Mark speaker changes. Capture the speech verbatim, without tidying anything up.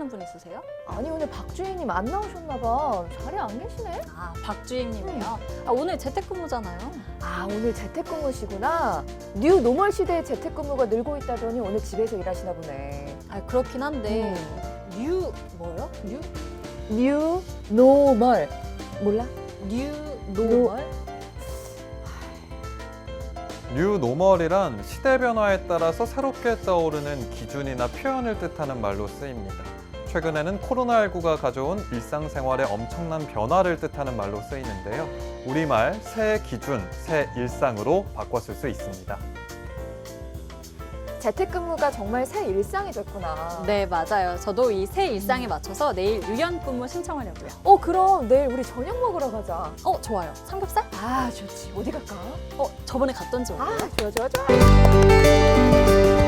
Speaker 1: 분 있으세요?
Speaker 2: 아니 오늘 박주희님 안 나오셨나 봐. 자리에 안 계시네?
Speaker 1: 아, 박주임님이요? 아, 오늘 재택근무잖아요.
Speaker 2: 아 오늘 재택근무시구나. 뉴 노멀 시대에 재택근무가 늘고 있다더니 오늘 집에서 일하시나 보네.
Speaker 1: 아, 그렇긴 한데
Speaker 2: 음.
Speaker 1: 뉴 뭐요? 뉴?
Speaker 2: 뉴 노멀 몰라?
Speaker 1: 뉴 노멀?
Speaker 3: 뉴 노멀이란 시대 변화에 따라서 새롭게 떠오르는 기준이나 표현을 뜻하는 말로 쓰입니다. 최근에는 코로나십구가 가져온 일상생활의 엄청난 변화를 뜻하는 말로 쓰이는데요. 우리말 새 기준, 새 일상으로 바꿨을 수 있습니다.
Speaker 2: 재택근무가 정말 새 일상이 됐구나.
Speaker 1: 네, 맞아요. 저도 이 새 일상에 맞춰서 내일 유연근무 신청하려고요.
Speaker 2: 어 그럼 내일 우리 저녁 먹으러 가자.
Speaker 1: 어, 좋아요. 삼겹살?
Speaker 2: 아 좋지. 어디 갈까?
Speaker 1: 어, 저번에 갔던 집
Speaker 2: 아
Speaker 1: 어때요?
Speaker 2: 좋아 좋아 좋아.